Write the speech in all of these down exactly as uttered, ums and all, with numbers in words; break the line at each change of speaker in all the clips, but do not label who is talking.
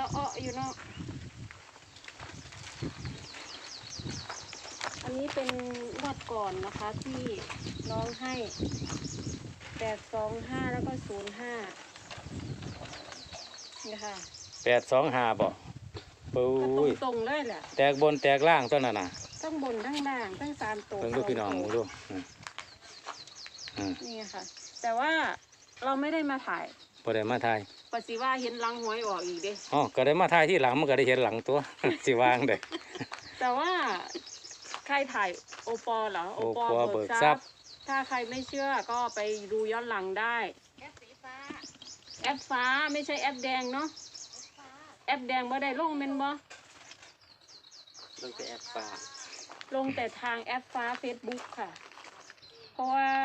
อ้ออยู่เนาะอันนี้เป็นงวดก่อนนะคะที่น้องให้แปดสองห้าแล้วก็ศูนย์ห้านี่ค่ะ
แปดสองห้าบ่ปุ้ย
ตรงๆเลยแหละ
แตกบนแตกล่างตัวนั้นน่ะ
ทั้งบนทั้งล่างทั้งสามตัว
เพิ่งดูพี่น้องดู
นี่ค่ะแต่ว่าเราไม่ได้มาถ่าย
พอได้มาถ่าย
ปฏิว่าเห็นหลังหวยออกอีกเด้
อ๋อก็ได้มาถ่ายที่หลังมันก็ได้เห็นหลังตัว สิวางเด้
แต่ว่าใครถ่ายโอปอเหรอ
โอปอเบิกทรัพย์
ถ้าใครไม่เชื่อก็ไปดูย้อนหลังได้แอปสีฟ้าแอปฟ้าไม่ใช่แอปแดงเนาะแอปแดงบ่ได้ลงเมนบ่
ลงแต่แอปฟ้า
ลงแต่ทางแอปฟ้า เฟซบุ๊ก ค่ะเพราะว่า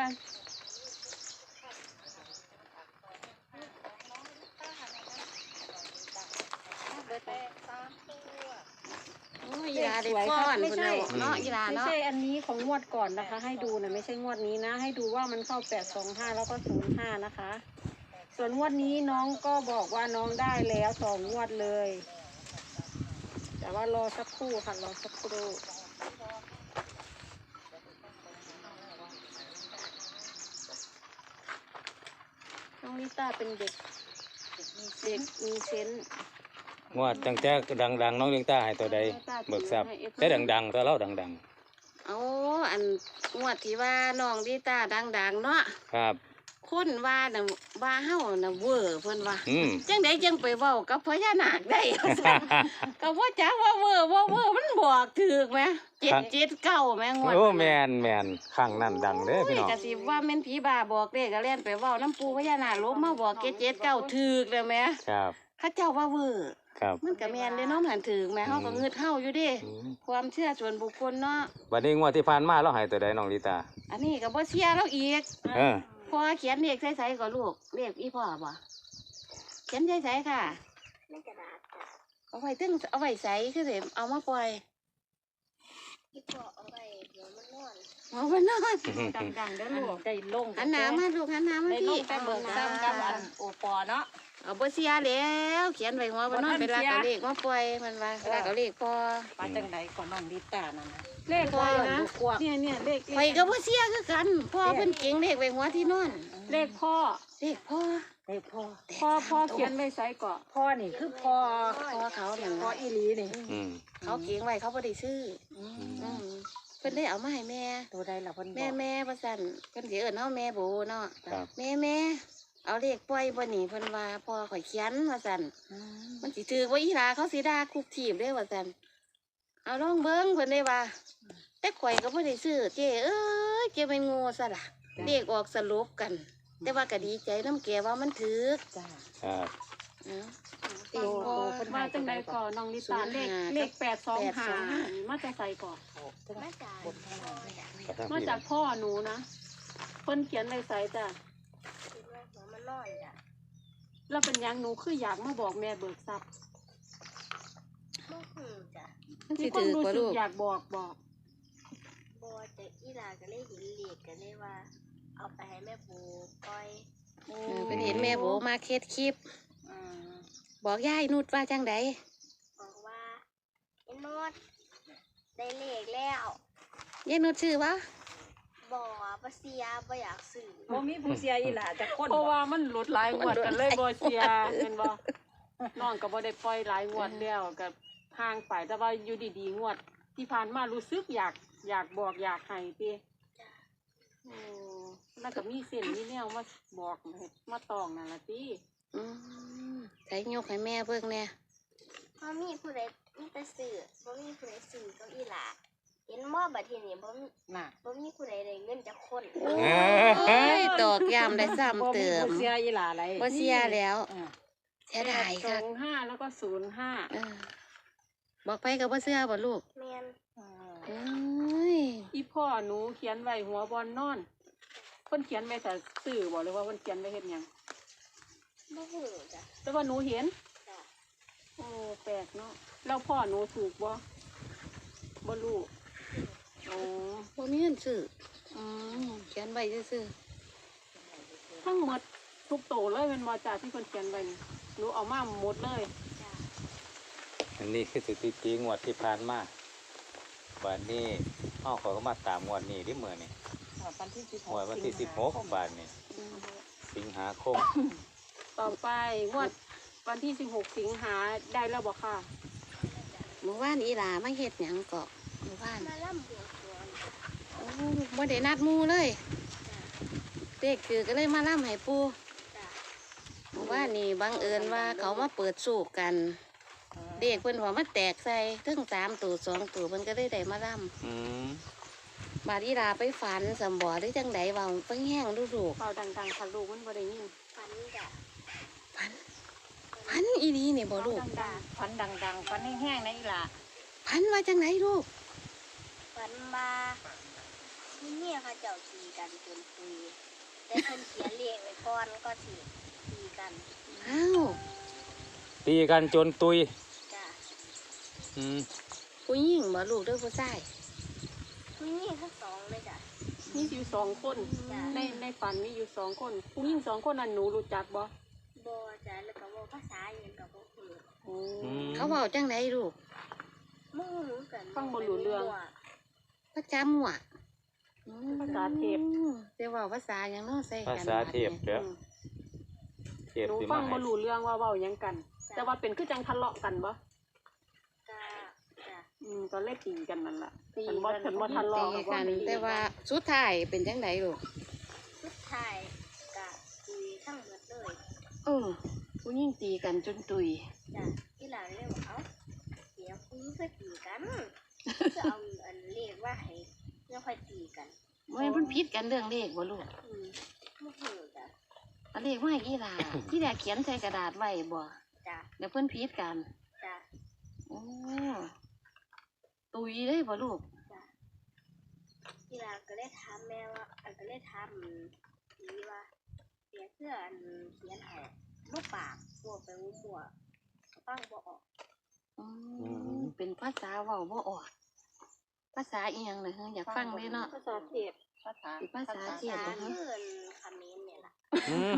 อีลาได้ก้อนไม่ใช่เนาะอีลาเนาะ
ไม่ใช่อันนี้ของงวดก่อนนะคะให้ดูนะไม่ใช่งวดนี้นะให้ดูว่ามันเข้าแปดสองห้าแล้วก็ศูนย์ห้านะคะส่วนงวดนี้น้องก็บอกว่าน้องได้แล้วสองงวดเลยแต่ว่ารอสักครู่ค่ะรอสักครู่น้องลิต้าเป็นเด็กเด็กมีเซนส์
งวดตั้งแต่ดังๆน้องเลี้ยงตาให้ตัวใดเบิกทรัพย์แต่ดังๆตัวเล่าดัง
ๆเอาอันงวดที่ว่าน้องลิต้าดังๆเนาะ
ครับ
คนว่าน่ะว่าเฮาน่ะเวอร์เพิ่นว่าจังได๋จังไปเว้ากับพญานาคได้ก็บ่จักว่าเวอร์บ่เวอร์มันบอกถูกแหมเจ็ดเจ็ดเก้าแหมงวด
โอ้แม่นแม่นข้างนั้นดังเด้อพี่น้อง
ก็สิว่าแม่นผีบ้าบอกเด้ก็เล่นไปเว้าน้ำปูพญานาคลบมาบอกเจ็ดเจ็ดเก้าถูกแล้วแหม
ครับ
เขาเจ้าว่าเวอร์มันก็แม่นเด้เนาะหันถูกแหมเฮาก็งึดเฮาอยู่เด้ความเชื่อส่วนบุคคลเนาะ
บัดนี้งวดที่ผ่านมาเราให้ตัวใดน้องลิตา
อันนี้ก็บ่เชื่อเราอีก
เออ
พ่อเขียนเลขใส่ๆก็ลูกเลขอีพ่อบ่เขียนใส่ๆค่ะในกระดาษค่ะเอาไว้ตึ้งเอาไว้ใส่คือสิเอามาปล่อยอีพ่อเอาไว้เดี๋ยวมันนอนเอาไว้นอน
ดังๆเด้อลูกได้ลง
หันหน้ามาลูกหันหน้ามาพี่
ได้เบิกซ้ำกับอันโอปอเนาะ
เอาบ่เสียแล้วเขียนไว้หัวบ่นอนเป็นลากเอาเลขมาปล่อยมันว่าลากเอาเลขพ่อ
ว่าจังได๋ก่อนน้องลิต้านั่นน่ะเลขพ่อนะเนี่ยเนี่ยเลข
ไฟก็บ่เสียคือกันพ่อเพิ่นเก่งเลขไว้หัวที่นอน
เลขพ่อ
เลขพ่อ
เลขพ่อพ่อพ่อเขียนไว้ใส่ก่อนพ่อนี่คือพ่อ
พ่อเขาเนี่ย
พ่ออีหลีนี่
เขาเก่งไว้เขาบ่ได้ซื้อเพิ่นได้เอามาให้แม่
ตัวใดล่ะเพิ่น
แม่แม่ว่าซั่นเพิ่นสิเอิ้นเฮาแม่โบเนาะแม่แม่เอาเลขปล่อยบ่นี่เพิ่นว่าพ่อข่อยเขียนว่าซั่นมันสิถือว่าอีหลาเขาสิด่าคุกทีบเด้ว่าซั่นเอาลองเบิ่งเพิ่นได้ว่าแต่ข่อยก็บ่ได้ซื้อเจ้เอ้ยเจ้เป็นโง่ซะล่ะเลขออกสรุปกันแต่ว่าก็ดีใจน้ำแกว่ามันถือ
จ้า
ครับ
โอ้โหมาจังไดก่อนน้องลิต้าเลขเลขแปดสองห้ามาจะใส่ก่อน
มาจาก
มาจากพ่อหนูนะคนเขียนไว้ใส่จ้ะ
มันนอนจ้ะ
แล้วเป็นยังหนูคืออยากมาบอกแม่เบิกทรัพย์
บ่คือจ้ะ
ที่ความรู้สึกอยากบอกบอก
บ่แต่อีหลาก็เลยเห็นเลขก็เลยว่าเอาไปให้แม่โบปล่อยเป็นเห็นแม่โบมาเคสคลิปบอกยายนุชว่าจังไดบอกว่าไอ้นุชได้เลขแล้วยายนุชชื่อวะบอกว่าเสียบ่อยากซื้อ
บ่มีผู้เสียอีหล่ะจะคนเพราะว่ามันหลุดหลายงวดกันเลยบ่เสียเห็นบ่น้องก็บ่ได้ปล่อยหลายงวดแล้วก็ห่างไปแต่ว่าอยู่ดีๆงวดที่ผ่านมารู้สึกอยากอยากบอกอยากให้ติโอ้แล้วก็มีเส้นมีแนวมาบอกมาตองนั่นล่ะติ
อืมใช้ยกให้แม่เบิ่งแน่บ่มีผู้ใดมีแต่ซื้อบ่มีผู้ใดซื้อก็อีหล่ะเห็นหม้อบัดทีนี้บ่มีน่ะบ่มีผู้ใดได้เงินจากคนโอ้ยตอกย้ำได้ซ้ำเติม
บ่เสียอีหล่าอะไร
บ่เสียแล้วเสียดายค่ะ
สองห้าแล้วก็ศูนย์ห้า
บอกไปก็บ่เชื่อบ่ลูกแม่นเอ้ย
อีพ่อหนูเขียนไว้หัวบอลนอนเพิ่นเขียนไว้แต่สื่อบ่หรือว่าเพิ่นเขียนไว้เฮ็ดหยัง
บ่ฮู้จ้ะ
แต่ว่าหนูเห็นจ้ะโอ้แปลกเนาะแล้วพ่อหนูถูกบ่บ่รู้โอ้
บ่มีเงินซื้ออืมเขียนไว้ซื่อ
ทั้งหมดทุกโตเลยเป็นบ่จ้าที่เพิ่นเขียนไว้นี่หนูเอามาหมดเลยจ้ะ
อันนี้คือสถิติงวดที่ผ่านมาวันนี้เฮาเขาก็มาตามงวดนี้ที่เมื่อนี่
วันที่สิบห
งว
ก
ดวันที่สิบหกบาทนี่สิงหาคม
ต่อไปงวดวันที่สิบหกสิงหาได้แล้วบ่ค่ะ
หมู่บ้านอีหลามาเฮ็ดหยังเกาะหมู่บ้าน
มาล่ำบวงสรวง
โอ้บ่ได้นัดหมู่เลยเด็กคือก็เลยมาล่ำให้ปู่
จ้ะ
หมู่บ้านนี่บังเอิญว่าเขามาเปิดสูกกัน เด็กเพิ่นว่ามาแตกใส่ทั้งสามตัวสองตัวเพิ่นก็ได้ได้มาล่
อืม
ำบาดอีหลาไปฝันสำบ่หรือจังใดเว่าเพิ่งแห้งดูลูก
เป่าดังๆค่ะลูกมันบ่ได้ยิน
ฝันจ้ะ
ฝันฝันอีดีนี่บ่ลูก
ดัง
ฟันดังๆฟันแห้งๆนะอีหล่ะ
ฝันว่าจังไหนลูก
ฝันมามีเมียเขาเจ้าตีกันจนปุยแต่เพิ่นเขียนเลขไว้ก่อนก็สิตีกัน
อ้าว
ตีกันจนตุย
จ้ะ
อืม
ผู้หญิงบ่ลูกเด้อผู้ชาย
มีเมียทั้งสองเลยจ้ะ
ๆมีอยู่สองคน
จ้ะ
ในในฝันมีอยู่สองคนผู้หญิงสองคนนั้นหนูรู้จักบ่
บ่จ้ะแล้วก็เว่าภาษาอย่างกับบ่คือ
โอ้
เขาเว้าจังไหนลูก
มึงรู้กัน
ฟังบ่รู้เรื่อง
ภาษามั่ว
ภาษาเทพ
อืมแต่เว่าภาษาหยังเนาะใส่
ภา
กัน
ษาเทพเด้อ
อืม
เทพ
หนู
สิ
ฟั
มาง ให้
บ่รู้เรื่องว่าเว้าหยังกัน แต่ว่าเป็นคือจังทะเลาะกันบ่
จ้ะจ้ะ
อืมตอนแรกตีกันนั่นล่ะฉันบ่ฉันบ่ทะเลาะ
ตี
บ่
กัน
ตี
แต่ว่าสุดท้ายเป็นจังไดลูก
สุดท้ายก็คุยทั้งหมดเลย
เออผู้หญิงตีกันจนตุย
จ้ะที่หลังเลยว่าเอ้าเดี๋ยวคุยก็ตีกันจะเอาอันเลขว่าให้เพื่อค่อยตีกัน
เมื่อมันผิดกันเรื่องเลขบ่ลูก
อืมบ่ฮู้จ้ะ
อันเลขว่ากี่ลา ที่แรกเขียนใส่กระดาษไว้บ่
จ้ะ
เดี๋ยวเพิ่นผิดกัน
จ้ะ
โอ้ตุยเลยบ่ลูก
ที่หลังก็เลยถามแม่ว่าอันก็เลยถามผีว่าเสียเสื้ออันเขียนให้บ่ปากมั่วไปมั่วฟังบ่ออก
อืมเป็นภาษาเว้าบ่ออก ภาษาอีหยังน่ะเฮ้ยอยากฟังเลยเนาะ
ภาษาเทพ
ภาษา
เป็นภาษาเทพ
ภาษา
บ่ฮะ
เพื่อนคำนี้เนี่ยล่ะ
อืม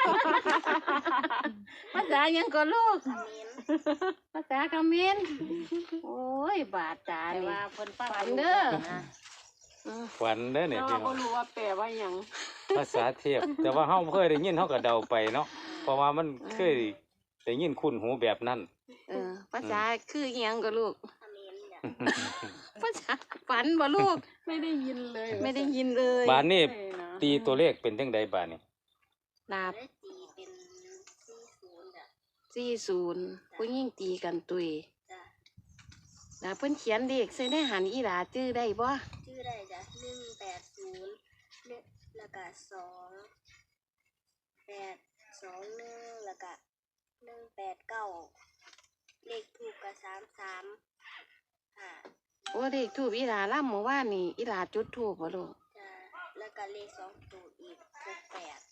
ภาษาหยังก็ลูก
คำนี้
ภาษาเขมรโอ้ย บาดตา
แต่
นี่
ว่าเพิ่นฟัง
ฝันเด้อ
นะ
อืม
ฝันเด้อเนี่ย
แต่
พี่
ว่า
น้
บ่
อง
รู้ว่าแปลว่าหยัง
ภาษาเทพ แต่ว่าเฮาเคยได้ยินเฮาก็เดาไปเนาะเพราะว่ามันเคยได้ยินคุ้นหูแบบนั้น
เออ ภาษาคืออีหยังก็ลูก
คำนี้เนี่ย
ภาษาฝันบ่ลูก
ไม่ได้ยินเลย
ไม่ได้ยินเลย
บานนี้
ใช่นะ
ตีตัวเลขเป็นจังใดบานนี้
ลาบ
ได้ตีเป็นสี่ศูนย์จ้ะ
สี่ศูนย์ผู้หญิงตีกันตุย
จ้ะ
ลาเพิ่นเขียนเลขใส่ในหันอีหลาจื้อได้บ่
ชื่อได้จ้ะหนึ่งแปดศูนย์เนี่ยแล้วก็สองแปดสองหนึ่งแล้วก็หนึ่งแปดเก้าเลขถูกกับสามสามอ่า
โอ้เลขทูบอีหลาล่ำเมื่อวานนี่อีหลาจุดทูบบ่ลูก
จ้ะแล้วก็เลขสองตัวอีกหกแปด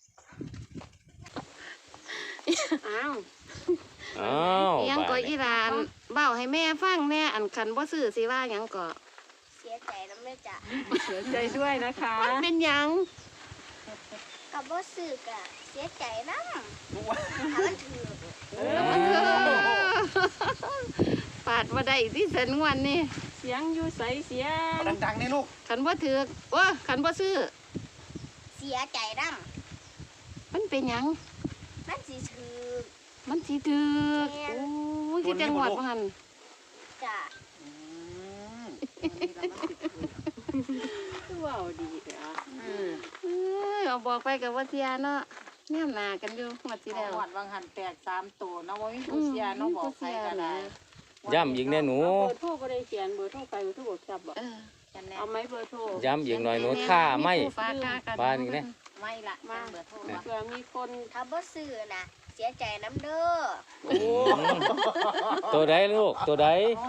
อ้าว
อ้าว
อิหยังก็
บาน
อี
นี้
หลานเบ้าให้แม่ฟังแน่อันคันบ่ซื้อสิว่าหยังก็
เสียใจน้ำเลยจ้ะ
เสียใจด้วยนะคะ
มันเป็นหยัง
กับว่าสื่อกะเสียใจน้ำถ้ามันถือ
เอ
ปาดบ่ได้ที่สันงวันนี่
เสียงอยู่ใสเสียง
ดังๆนี่ลูก
คันบ่ถือกว่าคันบ่ซื้อ
เสียใจน้
มันเป็นหยัง
ำนั่นสิถือ
มันสิถือก
แม่น
โอ้ยคือจังหวัดบ่หั่น
จ้ะ
คือเว้าดีเด้อ
เอ้ยเอาบอกไปกับว่าเสียเนาะแนมหน้ากันอยู่งวดที่แล้ว
หวัดวังหันแตกสามตัวเนาะว่ามีผู้เสียเนาะบอกใครก็ได้
ย้ำอีกแน่หนู
เบอร์โทรบ่ได้เขียนเบอร์โทรไปเบอร์โทรบ่จับบ่
เออ
กันแน่
เอาไหมเบอร์โทร
ย้ำอีกหน่อยหนูถ้าไม่
ผู้ฝากค่กัน
บ้านอีกเนี่ย
ไม่ละ
มา
เบอร์โทร
เผื่อมีคน
ถ้าบ่ซื้อนะเสียใจน้ำเด้อ
อืมตัวใดลูกตัวใด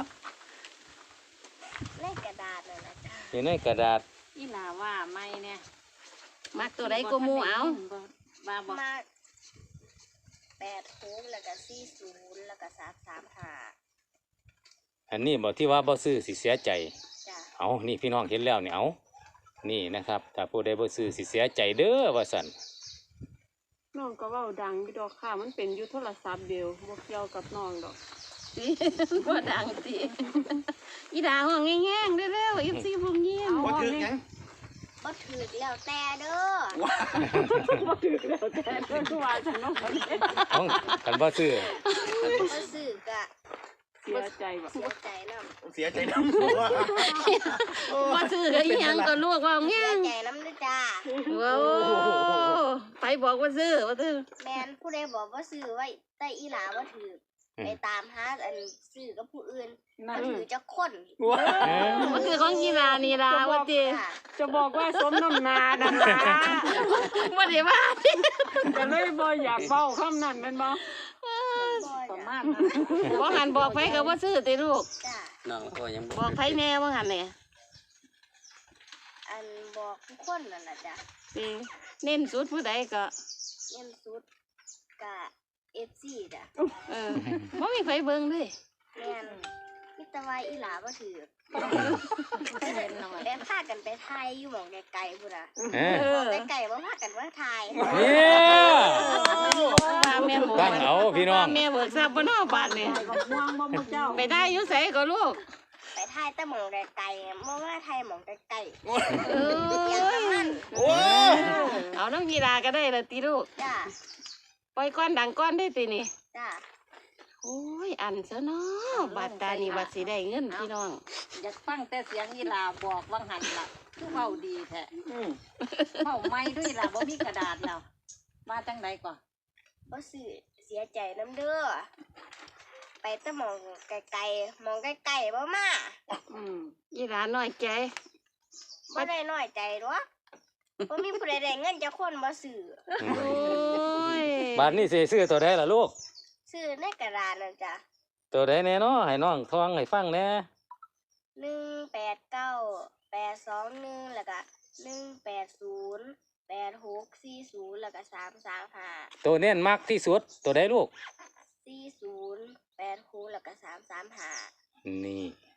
ในกระดาษน่ะนะจ้ะ
อยู่ในกระดาษ
อีหลาว่าไม่เนี่ย
มักตัวใดก็หมู่เอา
ว่าบอก
มาแปดหกแล้วก็สี่ศูนย์แล้วก็สามสามห้า
อันนี้บอกที่ว่าบ่ซื้อสิเสียใจ
จ้ะ
เอานี่พี่น้องเห็นแล้วนี่เอานี่นะครับถ้าผู้ใดบ่ซื้อสิเสียใจเด้อว่าซั่น
น้องก็เว้าดังอยู่ดอกค่ะ มันเป็นอยู่โทรศัพท์เดียวบ่เกี่ยวกับน้องดอก
ติบ่ดังติอีดาห้องแง่งๆเร็วๆอีซี่พงยิ้ม
ว่าถือหยัง
ก็ถือแล้วแต่เด้อ
บ่ถือแล้วแต่เพิ่นว่าฉันเนาะ
ของคันบ่ซื้อ
ก็ซื้อกะ
เสียใจบ่
เสียใจน้
เสียใจน้ำตัว
บ่ซื้อก็อีหยังก็ลูกว่า
ำ
แง่
เสีย
ง
ใจน้ำด้วยจ้า
ว้าวไปบอกว่าซื้อว่าซื้อ
แมนผู้ใดบอกว่าซื้อไว้แต่อีหลาว่าถือไปตามหาอันซื้อกับผู้อื่น
นั่
มัน
น
ถือจะคน
เออ
ว่าซื้อของกีฬานี่ล่ะว่าติ
ค่ะ
จะบอกว่าสมน้ำหน้านั่นล่ะ
บ่ได้ว่า
ก็เลยบ่อยากเว้าคำนั้นแม่นบ่
ประ
จ้ะ
มาณนั้น
บ่หันบอกไผก็บ่ซื้อติลูก
จ้า
น้องก็ยัง
บอกไผแน่ว่าหันนี่
อันบอกทุกคนนั่นแหละจ้ะ
ติเน้นสุดผู้ใดก็
เงินสุดกะเอฟซีจ้ะ
เออบ่มีไผเบิ่งเลย
แมนมิตรวายอีหลาว่าถือได้พากันไปไทยอยู่หมองไกลๆพุ่นน่ะ
เอ
เอ
อ
อ
ไกลๆว่าพากันว่าไทย
เนี่ย
ว่าแม่หมู
ตั้งเอาพี่น้อง
ว่าแม่เบิกทรัพย์บ่เนาะบาดนี่
ก็ม่วงบ่มื้อเจ้า
ไปได้อยู่ไสก็ลูก
ไปไทยแต่หมองไกลๆเมื่อว่าไทยหมองไกล
เอ
ๆเสียง
อ
น้ำมัน
โอ้
เอาน้ำกีฬาก็ได้ละติลูก
จ้า
ปล่อยก้อนดังก้อนได้ตินี่
จ้า
โอ้ยอันซะเนาะบาดตานี่บัดสิได้เงินพี่น้อง
อยากฟังแต่เสียงอีหลาบอกว่างหันล่ะคือเว้าดีแท้เว้าไม่ด้วยล่ะบ่มีกระดาษแล้วมาจังไดก่อน
ก็สื่อเสียใจน้ำเด้อไปแต่หมองไกลๆหมองไกลๆบ่มา
อืม
ยีหลาน้อยใจ
บ่ได้น้อยใจหรอกบ่มีผู้ใดได้เงินจะคนบ่ซื้อ
โอ้ย
บาทนี้สิซื้อตัวใดล่ะลูก
ซื้อในกระดาษนั่นจ้ะ
ตัวใดแน่เนาะให้น้องทองให้ฟังแหน่
หนึ่งแปดเก้าแปดสองหนึ่งแล้วก็หนึ่งแปดศูนย์แปดหกสี่ศูนย์แล้วก็สามสามห้า
ตัวเน้นมักที่สุดตัวใดลูก
สี่ศูนย์แปดหกแล้วก็สามสามห้า
นี่